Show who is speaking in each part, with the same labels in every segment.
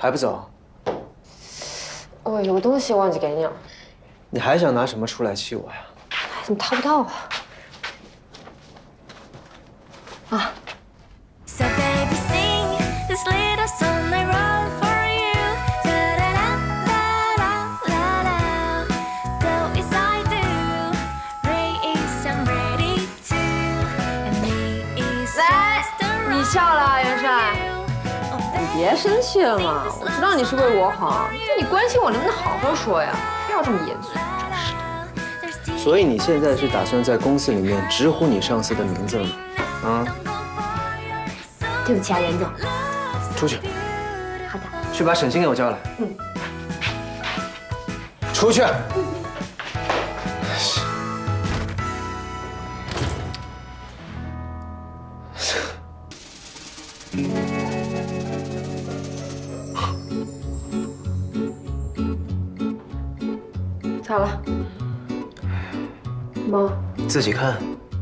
Speaker 1: 还不走？
Speaker 2: 我有个东西忘记给你了。
Speaker 1: 你还想拿什么出来气我呀？
Speaker 2: 怎么掏不到啊？啊！
Speaker 3: So baby sing this little song I wrote for you. Da da da da da da. Do as I do. Ray is I'm ready to. And me is just a
Speaker 2: 你笑了，元帅。你别生气了嘛，我知道你是为我好，那你关心我能不能好好说呀？不要这么严肃，真是。
Speaker 1: 所以你现在是打算在公司里面直呼你上司的名字了吗？啊？
Speaker 2: 对不起啊，袁总。
Speaker 1: 出去。
Speaker 2: 好的。
Speaker 1: 去把沈星给我叫来。
Speaker 2: 嗯。
Speaker 1: 出去。
Speaker 2: 咋了？妈，
Speaker 1: 自己看。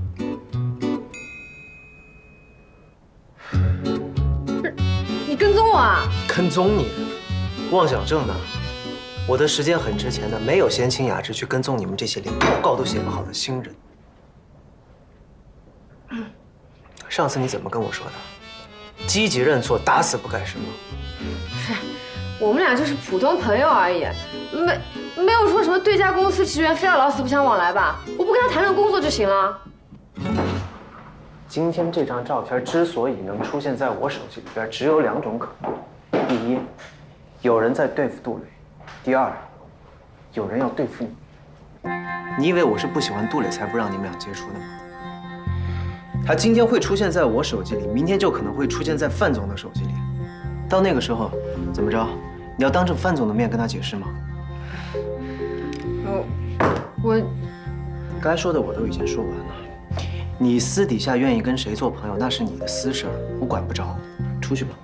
Speaker 2: 你跟踪我啊？
Speaker 1: 跟踪你？妄想症呢？我的时间很值钱的，没有闲情雅致去跟踪你们这些连报告都写不好的新人。上次你怎么跟我说的？积极认错，打死不改是吗？
Speaker 2: 是，我们俩就是普通朋友而已，没有说什么对家公司职员非要老死不相往来吧？我不跟他谈论工作就行了。
Speaker 1: 今天这张照片之所以能出现在我手机里边，只有2种可能：第一，有人在对付杜磊；第二，有人要对付你。你以为我是不喜欢杜磊才不让你们俩接触的吗？他今天会出现在我手机里，明天就可能会出现在范总的手机里。到那个时候，怎么着？你要当着范总的面跟他解释吗？
Speaker 2: 我
Speaker 1: 该说的我都已经说完了。你私底下愿意跟谁做朋友，那是你的私事儿，我管不着。出去吧。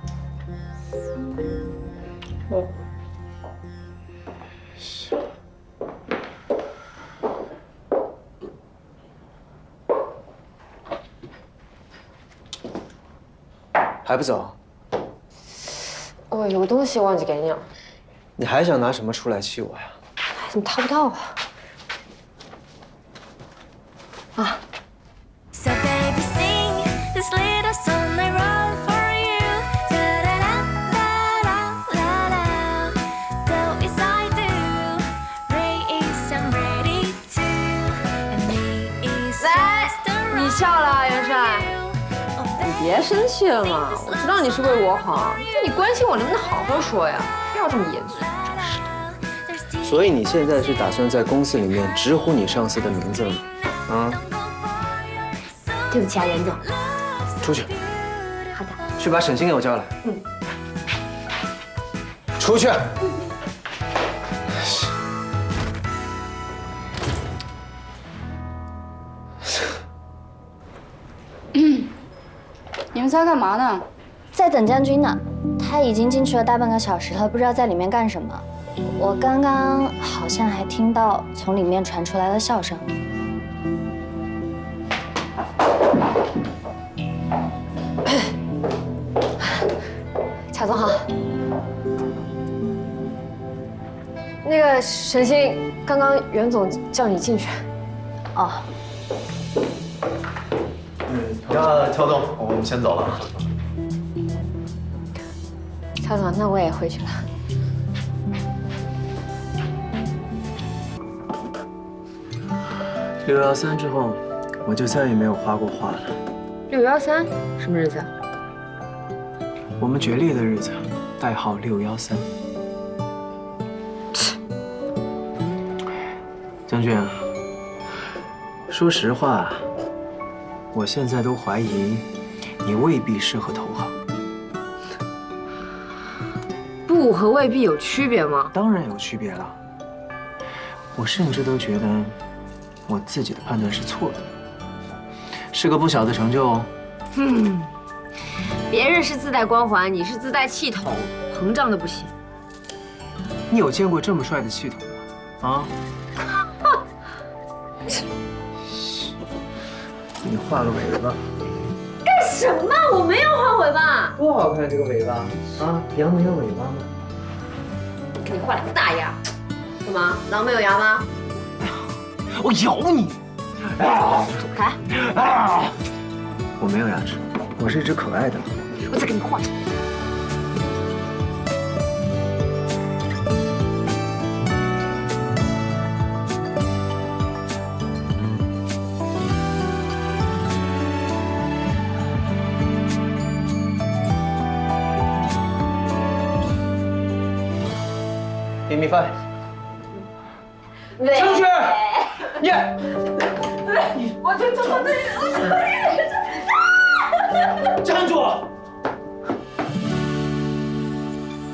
Speaker 1: 还不走？
Speaker 2: 我有个东西忘记给你了。
Speaker 1: 你还想拿什么出来气我呀？
Speaker 2: 怎么掏不到啊？啊！
Speaker 3: So baby sing this little song I wrote for you. Da da da da da da. Do as I do. Ray is I'm ready to. And me is just a
Speaker 2: 你笑了，元帅。你别生气了嘛，我知道你是为我好，那你关心我能不能好好说呀？不要这么严肃，真是。
Speaker 1: 所以你现在是打算在公司里面直呼你上司的名字了吗？啊？
Speaker 2: 对不起啊，袁总。
Speaker 1: 出去。
Speaker 2: 好的。
Speaker 1: 去把沈星给我叫来。
Speaker 2: 嗯。
Speaker 1: 出去。
Speaker 4: 你们仨干嘛呢？
Speaker 5: 在等将军呢，他已经进去了大半个小时了，不知道在里面干什么。我刚刚好像还听到从里面传出来了笑声。
Speaker 2: 贾总好。那个沈星，刚刚袁总叫你进去。哦。
Speaker 6: 那乔总，我们先走了。
Speaker 2: 乔总，那我也回去了。
Speaker 1: 613之后，我就再也没有画过画了。
Speaker 2: 613什么日子啊？
Speaker 1: 我们决裂的日子，代号613。将军，说实话，我现在都怀疑你未必适合投行。
Speaker 2: 不和未必有区别吗？
Speaker 1: 当然有区别了。我甚至都觉得我自己的判断是错的，是个不小的成就哦。
Speaker 2: 别人是自带光环，你是自带气筒，膨胀的不行。
Speaker 1: 你有见过这么帅的气筒吗？啊？你画个尾巴。
Speaker 2: 干什么？我没有画尾巴。
Speaker 1: 多好看这个尾巴啊！羊没有尾巴吗？
Speaker 2: 给你换2个大牙。干嘛？狼没有牙吗？
Speaker 1: 我咬你！
Speaker 2: 走开！
Speaker 1: 我没有牙齿，我是一只可爱的狼。
Speaker 2: 我再给你换。
Speaker 1: Give me 5。上去！耶！
Speaker 2: 我这
Speaker 1: 站住！